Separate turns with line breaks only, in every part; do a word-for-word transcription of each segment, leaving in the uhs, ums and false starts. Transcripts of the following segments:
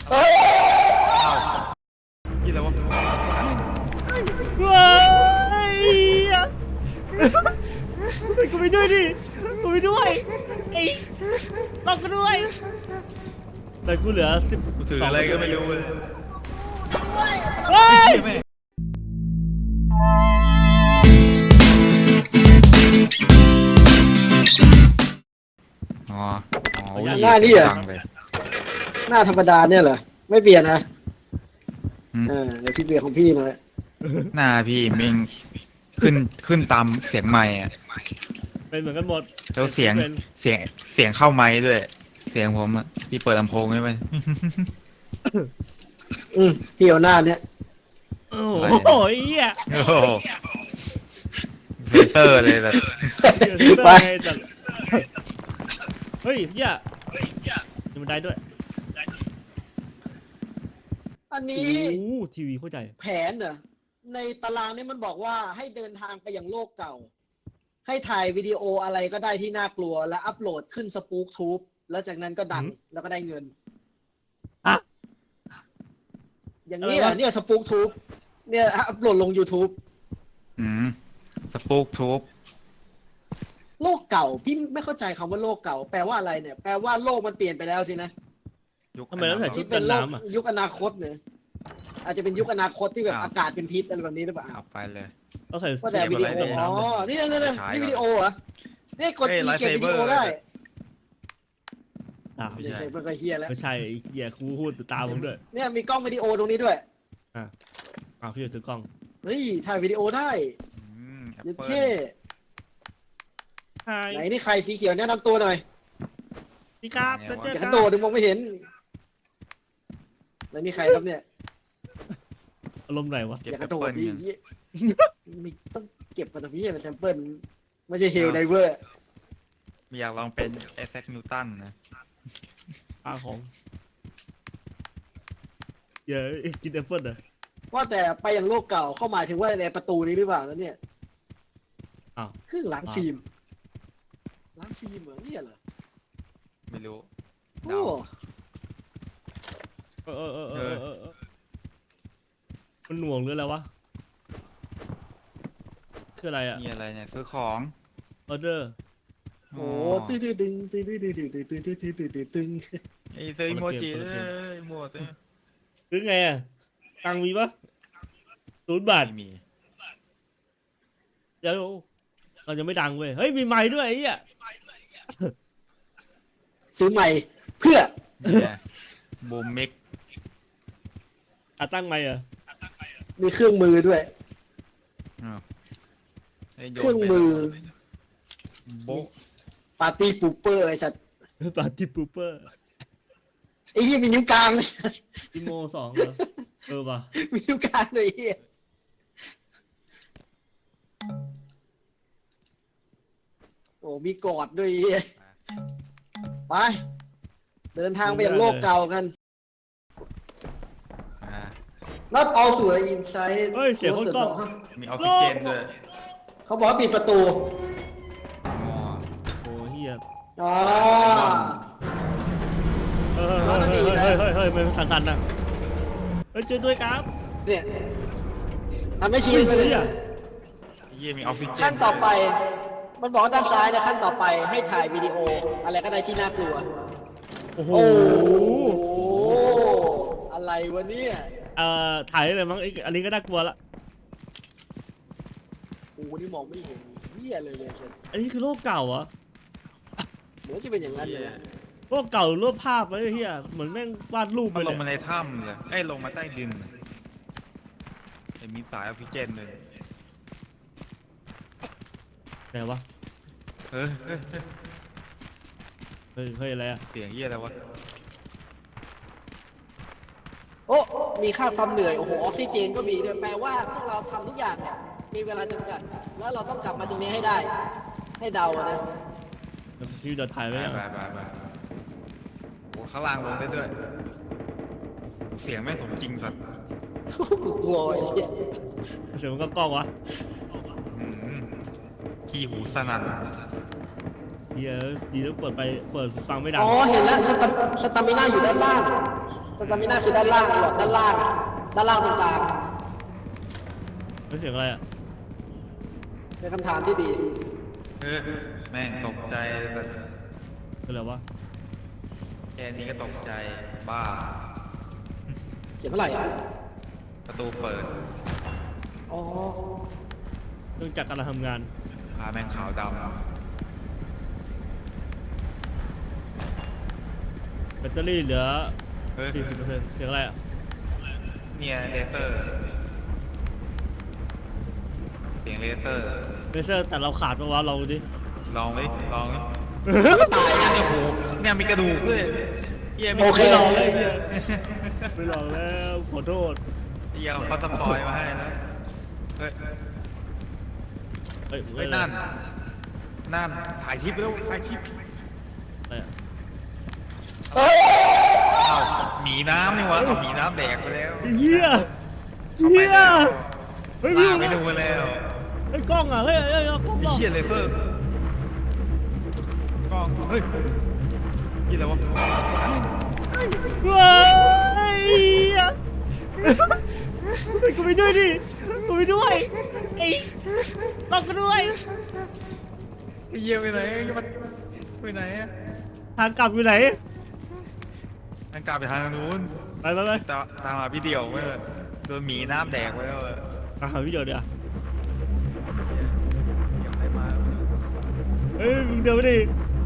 ยี่อะไรวะ
ว้ายกูไปด้วยดิกูไปด้วยไอ้ต้องกูด้วยแต่กูเหลือสิบ
กูถืออะไรก็ไม่รู้เลย
เฮ้ย
อ๋ออ๋อ
หน้านี่เหรอ หน้าธรรมดาเนี่ยเหรอไม่เปลี่ยนนะเออเดี๋ยวพี่เปลี่ยนของพี่หน่อย
หน้าพี่มิงขึ้นขึ้นตามเสียงไมค์อ่ะ
เป็นเหมือนกันหมด
แล้วเสียงเสียงเสียงเข้าไมค์ด้วย เสียงผมอ่ะพี่เปิดลำโพงใช่ไหม
อืมพี่เอาหน้าเนี้ย
โอ้โหเหี้ย
โอ้โหเฟเตอร์เลยแบบ
ไป
เฮ้ยเหี้ยมีบันไดด้วย
อัน
โอ้
นี้
โหทีวีเข้าใจ
แผนเหรอในตารางนี้มันบอกว่าให้เดินทางไปยังโลกเก่า ให้ถ่ายวิดีโออะไรก็ได้ที่น่ากลัวแล้วอัปโหลดขึ้นสปู๊กทูบแล้วจากนั้นก็ดัง
หืม
แล้วก็ได้เงิน
อะ
อย่างนี้
อะไร
อ่ะ
วะ
เนี่ยสปู๊กทูบเนี่ยอัปโหลดลง YouTube
อืมสปูกทูบ
โลกเก่าพี่ไม่เข้าใจคำว่าโลกเก่าแปลว่าอะไรเนี่ยแปลว่าโลกมันเปลี่ยนไปแล้วสินะ
ยุค
ทำไมต้องใส่ชุด
ที่เป็นโลก
กันน้ำอะ
ยุคอนาคตเนี่ยอาจจะเป็นยุคอนาคตที่แบบ
อ้าว
อากาศเป็นพิษอะไรแบบนี้หรือเปล่า
เอาไปเลย
ต้องใส่
ว่าแต่วิดีโอ
เสียบอะไร
อ๋อ นี่นี่นี่
ใช้
นี่
ก่อน
วิดีโอเหรอนี่กด
เอ้ย
อีเก็บวิดีโอ
Lightsaber
ได้
อ่ะ
ไม่
ไม่
ใช่
ใช่มันก็เฮียแล้ว
ไม่ใช่ไอ้เหี้ยครูพูดตามผมด้วย
เนี่ยมีกล้องวิดีโอตรงนี้ด้วย
อ่ะพี่จะถือกล้อง
เฮ้ยถ่ายวิดีโอได้
อืมแอป
เย็ด
เปิ้ล
เท่
ไฮ
ไหนนี่ใครสีเขียวแนะนำตัวหน่อย
พี่ครับเจอเจอ
อย่า
ค
ก
รั
ระ
บ
โดดถึงมองไม่เห็นแล้วนี่ใครครับเนี่ย
อารมณ์ไหนวะ
เก็บ
อย่า
แอก ป
ระโดด
เปิ้ล
ดิ
กัน
เหี้ยมีต้องเก็บมาทำพี่เป็นแซมเปิลไม่ใช่เฮลไดเวอร์
ไม่อยากลองเป็นไอแซคนิวตันนะ
ปลาของเดี๋ยวกินแอปเปิ้ลเหรอ
ว่าแต่ไปยังโลกเก่าเข้าหมายถึงว่าในประตูนี้หรือเปล่าแล้วเนี่ย
อ้าว
เครื่องล้างฟิล์มล้างฟิล์มเหรอเนี่ยเหรอ
ไม่รู้
โอ้
เดา
เออเออเออเออเออมันหน่วงหรืออะไรวะคืออะไรอ่ะ
มีอะไรเนี่ยซื้อของ
ออเดอร์
โหตึ้งตึ้งตึ้งตึ้งตึ้งตึ้งตึ้งตึ้งตึ้งตึ้งตึ้งตึ้งตึ้ง
ไอ้ซื้ออีโมจิ
คนละ
เล
เกม
ยหมดเลย
คือไงอ่ะตังค์มีปะศูนย์บาท
ไม่มี
เดี๋ยวเราจะไม่ดังเว้ยเฮ้ยมีไม้ด้วยไอ้เหี้ย
ซื้อใหม่เพื่อ
เนี่ยบูมมิก
อ่ะตั้งไม้เหรอ
มีเครื่องมือด้วย
อ้าวให้โยน
เครื่อง
ไป
มือ
โบ๊ะ
ปาร์ตี้ปูเปอร์ไอ้สัตว์
ปาร์ตี้ปูเปอร์
ไอ้เหี้ยมีนิ้วกลางเลย
อีโมสองเหรอเออป่ะ
มีนิ้วกลางเลยไอ้เหี้ยโอ้มีกอดด้วยไอ้เหี้ยไปเดินทางไปยังโลกเก่ากัน
อ่า
Not all สู่ the inside
เฮ้ยเสียงคนกล้อง
มีออกซิเจนด้วย
เขาบอกว่าปิดประตู
อ๋อ
โอ้เฮีย
อ๋อ
เฮ้ยเฮ้ยเฮ้ยเฮ้ยเฮ้ยเฮ้ยมันสั่นๆนะเฮ้ยช่วยด้วยครับ
เนี่ยทำให้ชี้
เฮ้ย
ไปเลย
เฮีย
เยี่ยมีออกซิเจน
ขั้นต่อไป มันบอกว่าด้านซ้ายนะขั้นต่อไปให้ถ่ายวิดีโอ อะไรก็ได้ที่น่ากลัว
โอ้โห
โอ้โหอะไรวะเนี่ย
เอ่อถ่ายได้เลยมั้งไอ้อันนี้ก็น่ากลัวละ
โอ้โหนี่มองไม่เห็นเหี้ยเลยเลยเชิญ
อันนี้คือโลกเก่าเหรอ
เหมือนจะเป็นอย่างนั้นเลยนะ
โลกเก่าหรือโลกภาพวะไอ้เฮียเหมือนแม่งวาดรูปไป
มัน
เล
ล
ย
งมาในถ้ำเลยเอ้ยลงมาใต้ดินเห็นมีสายออกซิเจนเลย
ไหนวะ
เฮ้ยเฮ้ยเฮ้ย
เฮ้ยเฮ้ยอะไรอะ
เสียงเยี่ยอะไรวะ
โอ้มีค่าความเหนื่อยโอ้โหออกซิเจนก็มีด้วยแปลว่าพวกเราทำทุกอย่างเนี่ยมีเวลาจำกัด แล้วเราต้องกลับมาตรงนี้ให้ได้ ให้เดาอะนะ
เดี๋ยวพี่เดี๋ยวถ่าย
ไป
ไว้ยัง
ไปไปไปโอ้ข้างล่างลงได้ด้วยเสียงแม่งสมจริงสัตว์
กูกลัวไอ้เหี้ย
เสียงมันก็กล้องวะ
อืมขี้หูสนั่น
เฮียดีแล้วเปิดไปเปิดฟังไม่ดัง
อ๋อเห็นแล้วสตาสตามิน่าอยู่ด้านล่างสตามิน่าคือด้านล่างหลอดด้านล่าง ด้านล่างตรงกลาง
เสียงอะไรอ่ะ
เป็นคำถามที่ดี
เออแม่งตกใจแต่
เป็นอะไรวะ
แค่นี้ก็ตกใจบ้า
เขียนเท่าไหร่อ่ะ
ประตูเปิด
อ๋อ
เนื่องจากการทำงาน
พาแม่งขาวด
แบตเตอรี่เหลือ
ำเฮ้ย
สี่สิบเปอร์เซ็นต์เสียงอะไรอ่ะ
เนี่ยเลเซอร์เสียงเลเซอร์
เลเซอร์แต่เราขาดปะวะลองดูดิ
ลองดิลองดิตายนะเนี่ยโหเนี่ยมีกระดูกด้วยเยี่ยมี
โอเค
ไม่ลองเลยเหี้ยไม่ลองแล้วขอโทษ
เยี่ยเขาสปอยมาให้แล้วเฮ้ย
เฮ้ย
เฮ้ยนั่นนั่นถ่ายคลิปแล้วถ่ายคลิป
อะไรอ่ะ
เฮ้ย
อ้าวหมีน้ำนี่หวะเอาหมีน้ำแดกไปแล้ว
เฮีย
เข้าไป
เฮีย
แล้ว
เฮ้ย
ลา
พี่
ไปดูแล้ว
ไอ้ยกล้องอ่ะเฮ้ยเฮ้ยเอากล้อง
ไอ้
กล้อง
เชี่ยเลเซอร์กล้องเฮ้ยยี่อะไรวะ
เฮ้ยเฮียเฮ้ยกูไปด้วยดิกูไปด้วยไอ้ต้องกูด้วย
ไอ้เยี่ยไปไหนไอ้มันไปไหนอะ
ทางกลับอยู่ไหน
ทางกลับไปทางนู้น
ไปไปไป
ตาตามมาพี่เดี่ยวไว้เลยโดนหมีน้ำแดกไว้แล้วเลย
ตามหาวิดีโอเดี๋ยว
เดี๋ยวใครมา
เฮ้ยมึงเดินไปดิ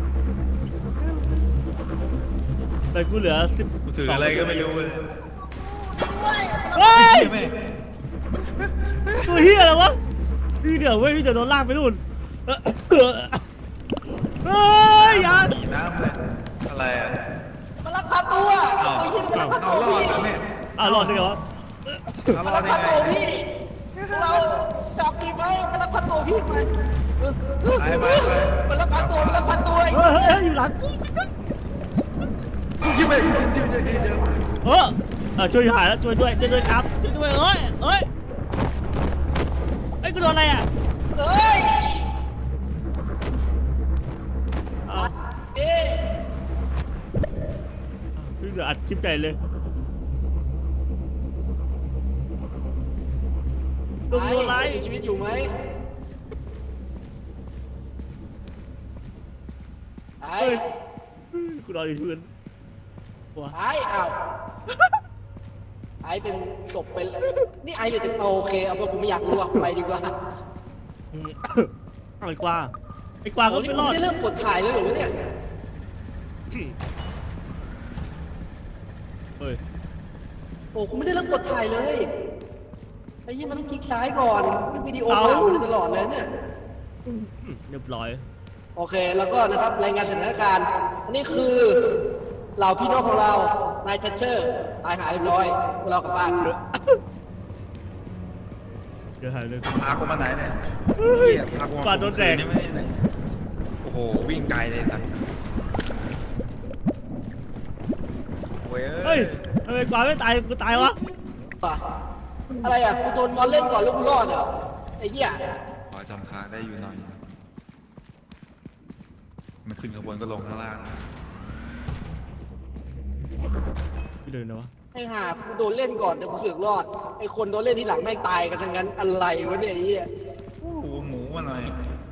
แต่กูเหลือสิบ
กูถืออะไรก็ไม่รู้เลย
เฮ้ย
ไอ้เชี่ยแม่ง
ตัวเฮียอะไรวะพี่เดี๋ยวเว้ยพี่เดี๋ยวโดนลากไปนู่นเฮ้ยอย่า
หมีน้ำเลยอะไรอะ
มันลักพาตัว
อ้าว
โอ้ยยิงมันลักพา
เอา
ตัว
รอด
พี่
แล้วแม่
อ่ะรอดได้เหรอ
เอาร
มัน
อ
ลั
ด
ก
ได้
พา
ไง
ตัวพี่เราจับดีไหมมันลักพาตัวพี่มัน
ไปไปไป
มันลักพาตัวมันลักพาตัวไอ้
เฮ้ยเฮ้ยอยู่หลังกู
กูคิดไปเจอเจอเจอเจอ
เออเออช่วยหายแล้วช่วยด้วยช่วยด้วยครับช่วยด้วยเฮ้ยเฮ้ยเฮ้ยกูโดนอะไรอ่ะ
เฮ้ย
อ้าว
เอ๊ะ
พี่เหลืออัดคลิปใหญ่เลยโดนโดนอะไร
มีชีวิตอยู่ไหมไอ้
เฮ้ยกูนอนอยู่พื้นหัว
ไอ้อ้าวไอ้เป็นศพไปแล้วนี่ไอ้เลยจะโอเคเอาเพราะกูไม่อยากรู้อะไปดีกว่า
ไอ้กวางไอ้กวางก็ไม่รอด
ได้เริ่มกดถ่ายแล้วเหรอวะเนี่ย
เฮ้ย
โอ้กูไม่ได้เริ่มกดถ่ายเลยไอ้ยี่มันต้องคลิกซ้ายก่อนมันวิดีโอเปล่าอยู่ตลอดเลยเนี่ย
เรียบร้อย
โอเคแล้วก็นะครับรายงานสถานการณ์อันนี้คือเหล่าพี่น้องของเรานายทัชเชอร์ตายหายเรียบร้อยพวกเรากลับบ้าน
เดี๋ยวหายเลย
พากูมาไหนเนี่ยเหี้ยพากูมา
ฟาดโดนแดก
คืไม่ได้โอ้โหวิ่งไกลเลยสัตว์โว้ย
เฮ้ยทำไมกวางไม่ตายกูตายวะ
ป่ะอะไรอ่ะกูโดนบอลเล่นก่อนแล้วกูรอดเหรอไอ้เหี้ย
ขอจำทางได้อยู่หน่อย มันขึ้นข้างบนก็ลงข้างล่าง
พี่เดินนะวะ
ไอ้ห่ากูโดนเล่นก่อนแต่กูเสือกรอดไอ้คนโดนเล่นที่หลังแม่งตายกันทั้งนั้นอะไรวะเนี่ยไอ้เหี้ย
โอ้โหหมูมาหน่อย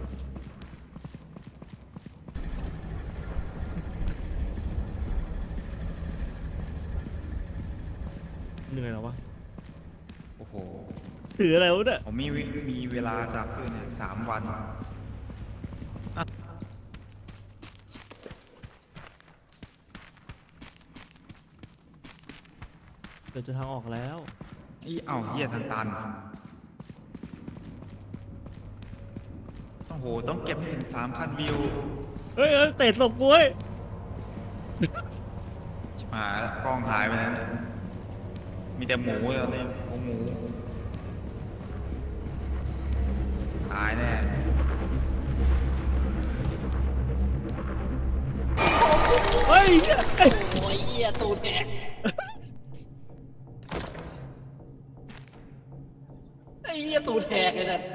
เหนื่อยแล้ววะ
โอ้โห
ถืออะไรวะเนี่ย
ผมมีวิมีเวลาจับด้วยเนี่ยสามวัน
เดี๋ยวจะทางออกแล้ว
อีเอ้าเหี้ยทางตัน โอ้โห ต้องเก็บให้ถึงสามพันวิว
เฮ้ยเฮ้ยเตะศพกูเว้ย
ชิบหายแล้วกล้องหายไปแล้วมีแต่หมูเลยตอนนี้โอ้หมู ตายแน่
เฮ้ย
โอ้ยเหี้ยตูดแดกไอ้เหี้ยตูดแหกเลยนะ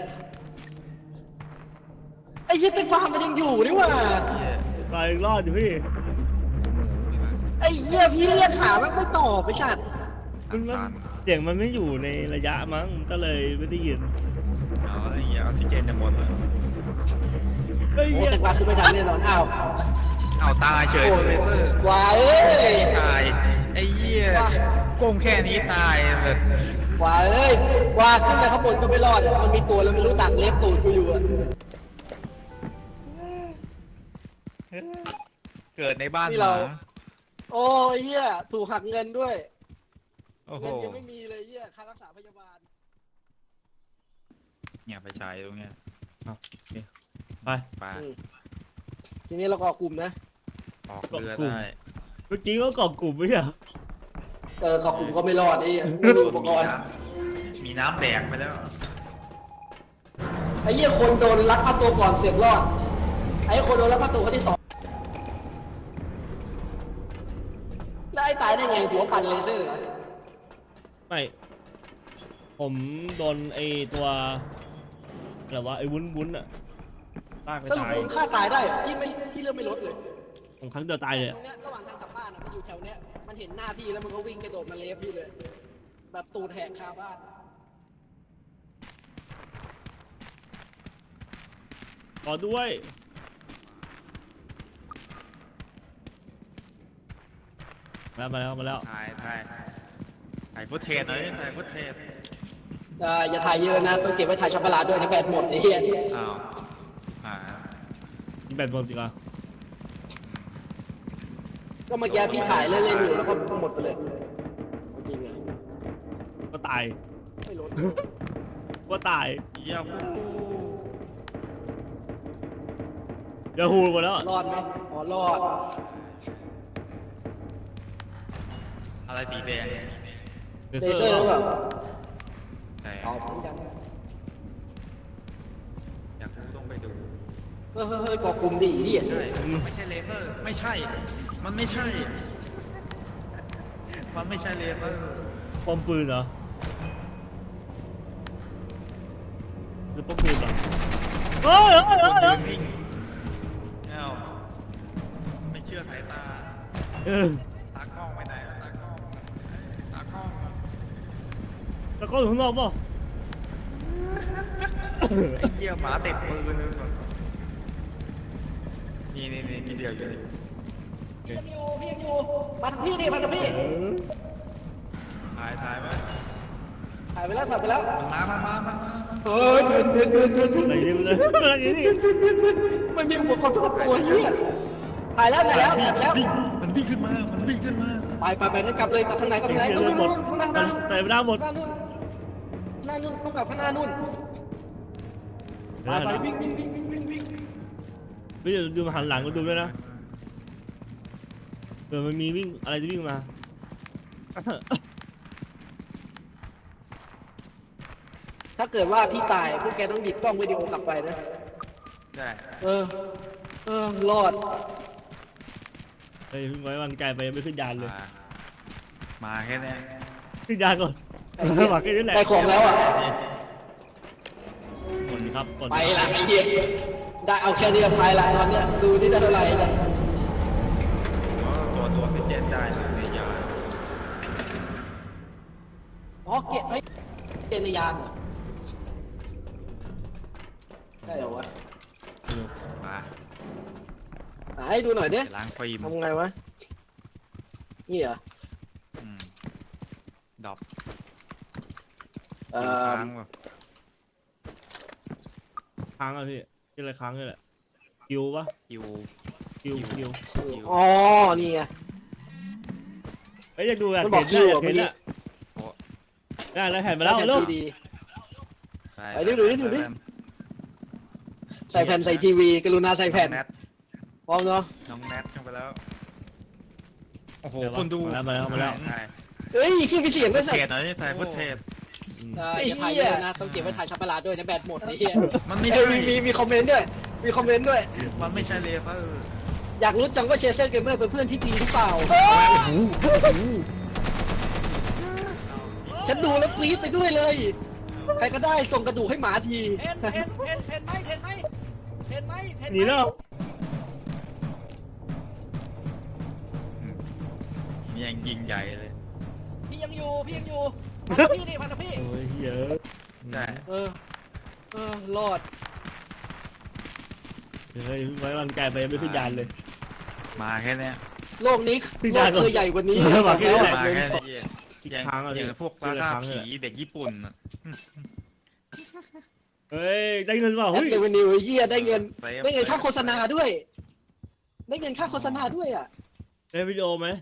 ไอ้เหี้ยแตงกวามันยังอยู่นี่หว่า
เหี้ย
ตายอีกรอดอยู่พี่
หมูนี่นะ
ไอ้เหี้ยเหี้ยพี่เรียกหามันไม่ตอบไปชัด
มันมันเสียงมันไม่อยู่ในระยะมั้งก็เลยไม่ได้ยิน
เอาอะไรอย่างเงี้ยออกซิเจนจะหมดเลย
เฮ้ย
โอ้
เหี้ย
แต่ว่าคือไม่ทันแน่นอนอ้าว
เอาตายเฉยตัวเลเซอร์
ว้าเอ้ย
ตายไอ้เหี้ยก้มแค่นี้ตายเลย
ว้าเอ้ยว่าขึ้นไปข้างบนก็ไม่รอดอะมันมีตัวแล้วไม่รู้ตักเล็บตูดกูอยู่อะ
เกิดในบ้าน
นี่
ห
เรา
มา
โอ้ยเหี้ยถูกหักเงินด้วย
โอ้โห
เงินยังไม่มีเลยเหี้ยค่ารักษาพยาบาล
เนี่ยไปฉายตรงเนี้ย
ไป
ไป
อืมทีนี้เราก็ออกกลุ่มนะ
ออกเรือ
เกาะกลุ่ม
ได้
เมื่อกี้ก็เกาะกลุ่มไม่ใช่เหรอ
เออขอบกลุ่มก็ไม่รอดไอ้เหี้ยไม่มีอุปกรณ์
มีน้ำแดกไปแล้ว
ไอ้เหี้ยคนโดนลักพาตัวก่อนเสือกรอด ไอ้คนโดนลักพาตัวคนที่สองแล้วไอ้ตายได้ไงหัวปั่นเลเซอร์เหรอ
ไม่ผมโดนไอตัวอะไรวะไอวุ้นวุ้นอะลากไป
สรุป
ตาย
คุณฆ่าตายได้เหรอพี่ไม่พี่เริ่มไม่ลดเลย
ผมครั้งเดียวตายเลย
ตรงเนี้ยระหว่างทางกลับบ้านอะมันอยู่แถวเนี้ยมันเห็นหน้าพี่แล้วมันก็วิ่งกระโดดมาเลฟพี่เลย แบบตูดแหกคาบ้าน
ขอด้วยมาแล้วมาแล้วมาแล้ว
ถ่ายถ่ายถ่ายฟุตเทจหน่อยถ่ายฟุตเทจ
อ่าอย่าถ่ายเยอะนะต้องเก็บไว้ถ่ายช็อกโกแลตด้วยนะแบตหมดไอ้เหี้ย
อ้าวอ่า
มีแบตหมดจริงเหรอ
ก็เมื่อกี้พี่ถ่ายเล่นๆอยู่แล้วก็หมดไปเลยจริงไง
ก็ตาย
ไม่ลด
ก็ตาย
เยี่ยม
เดี๋ยวฮูหมดแล้วอะ
รอดไหมอ๋อรอด
อะไรสีแดง
เล
เล
เซอร์
เซอร์หรือเปล่า
แต่
เอาเหมือนกัน
อยากรู้ต้องไปดู
เฮ้ยเฮ้ยเฮ้ยกอกลุ่มดีดิ
ใช่ไม่ใช่เลเซอร์ไม่ใช่ มันไม่ใช่ มันไม่ใช่เลเซอร์
ปอมปืนเหรอซื้อปอมปืนเหรอเฮ้ยเฮ้ย
ค
เฮ้
น
ย
ยืนนิ่งเอ้าไม่เชื่อสายตา
เออ
ตากล้องไปไหนแล้วตากล้องตากล้อง
แล้วก็อยู่ข้างนอกเปล่ะ
ไอ้เหี้ยหมาติดมือเลยก่อนนี่นี่นี่ทีเดียวอยู่นี่
พี่ยังอยู่พี่ยังอยู่มาทางพี่ดิมาทางพี่
เออ
ถ่ายถ่ายไว้
ถ่ายไปแล้วถ่ายไปแล้ว
มันมามามามามา
เฮ้ยเดินเดินเดินเดินเดิน
อะไรนี่มันเลยอะไรนี่
มันมีอุปกรณ์ทุกตัวเฮียถ่ายแล้วถ่ายแล้วถ่ายไปแล้ว
วิ่งมันวิ่งขึ้นมา มันวิ่งขึ้นมา
ไปไปไปนั่นกลับเลยกลับทางไหนกลับทางไหน
เดี๋
ต้
ย
อง
วหมด
ข้างหน้า
มันใส่ไม่ได้หมด
หน้านู่นหน้านู่นต้องกลับข้างหน้านู่นไปไปวิ่งวิ่งวิ่งวิ่งวิ่งวิ่ง
ไม่เดี๋ยวดูมาหันหลังก็ดูด้วยนะเดี๋ยวมันมีวิ่งอะไรจะวิ่งมา
ถ้าเกิดว่าพี่ตายพวกแกต้องหยิบกล้องวิดีโอกลับไปนะ
ได้
เออ เออ รอด
เฮ้ยไว้วางใจไปยังไม่ขึ้นยานเลย
มามาแค่เนี้ย
ขึ้นยานก่อนหวังแค่นี้แหละ
ได้ของแล้วอ่ะ
กดครับกด
ไปละไอ้เหี้ยได้เอาแค่นี้ก็ไปละตอนเนี้ยดูนี่ได้เท่าไหร่เนี่ย
ตัวตัวซิเจนได้เลยในยา
อ๋อเกตไอ้ยเกตในยานเหรอใช่เหรอวะ
มา
ไหนดูหน่อยดิ
ล้างฟิล์ม
ทำไงวะ นี่เหรอ
อืมดอก
เอ่อ
ค้างว่ะ
ค้างอ่ะพี่ที่อะไรค้างนี่แหละคิวปะ
คิว
คิวคิว
อ๋อ นี่ไง
เฮ้ยอยากดูอยาก
มันบอ
เห็
ก
น
คิว
อยา
อ่ะ
ก
เมื่
เห็
อน กี้
อ่ะได้แล้วแผ่นมาแล้ว
ใส่
ลูก
ทีดี
ไป
ไปดิดูดิดูดิ ใส่แผ่นใส่ทีวีกรุณาใส่แผ่น
องแนท
พร้อมเนาะ
น้องแนทเข้าไปแล้ว โอ้โห
เดี๋ยววะ
คนดู
มาแล้วมาแล้วมาแล้ว
ถ่าย
เอ้ยขี้ไปเสียง
ฟุ
ด้วย
ต
ใส่
เทจหน่อยถ่ายฟุตเทจ
อย่าถ่ายเยอะนะ ต้องเก็บไว้ถ่ายช็อกโกแลตด้วยนะแบตหมดไอ้เหี้ย
มันไม่
เอ้
ใช่
ยมีมีมีคอมเมนต์ด้วย มีคอมเมนต์ด้วย
มันไม่ใช่เลเซอร์
อยากรู้จังว่าเชเซอร์เกมเมอร์เป็นเพื่อนที่ดีหรือเปล่า ฉันดูแล้วกรี๊ดไปด้วยเลย ใครก็ได้ส่งกระดูกให้หมาที
เห็นเห็นเห็นเห็นไหมเห็นไหมเห็นไหมเห็นไหม
หนีแล้ว
อืมยังยิงใหญ่เลย
พี่ยังอยู่พี่ยังอยู่พันธพี่นี่พันธพี่
โอ้ยเยอะ
ใช่
เออเออรอด
เฮ้ยไว้วางใจไปไม่ขึ้นยานเลย
มาแค่เนี้ย
โลกนี้
พี่
โล
ดาก ก่อน
เคยใหญ่กว่านี้
เออมาแค่นี้แหละ
มาแค่เนี้ย
อีก
ยัง
ครั้งอะ
ยัง
พี่
พวก
ทีละ
ล่า
ครั้ง
ผี
เลย
เด็กญี่ปุ่นอะ
เฮ้ยได้เงินเปล่า
แอ
เฮ้
ด
ย
เรเวนิวเฮียได้เงิน
ซฟ
ได้เงินค่าโฆษณา
ซฟ
ด้วย ได้เงินค่าโฆษณาด้วยอ่ะ
ได้วิดีโอไหม